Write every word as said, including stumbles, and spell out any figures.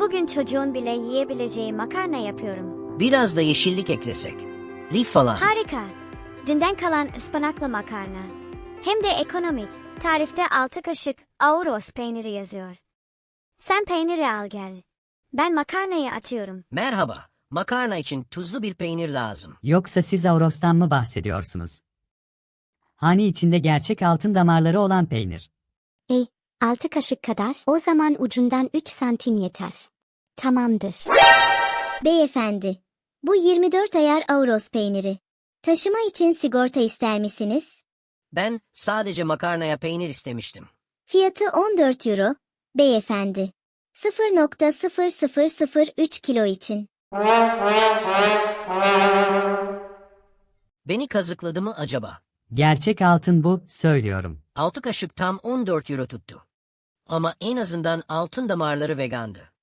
Bugün çocuğun bile yiyebileceği makarna yapıyorum. Biraz da yeşillik eklesek. Lif falan. Harika. Dünden kalan ıspanaklı makarna. Hem de ekonomik. Tarifte altı kaşık Avros peyniri yazıyor. Sen peyniri al gel. Ben makarnayı atıyorum. Merhaba. Makarna için tuzlu bir peynir lazım. Yoksa siz Avros'tan mı bahsediyorsunuz? Hani içinde gerçek altın damarları olan peynir. Ey, altı kaşık kadar, o zaman ucundan üç santim yeter. Tamamdır. Beyefendi, bu yirmi dört ayar Avros peyniri. Taşıma için sigorta ister misiniz? Ben sadece makarnaya peynir istemiştim. Fiyatı on dört euro, beyefendi. sıfır nokta sıfır sıfır sıfır üç kilo için. Beni kazıkladı mı acaba? Gerçek altın bu, söylüyorum. altı kaşık tam on dört euro tuttu. Ama en azından altın damarları vegandı.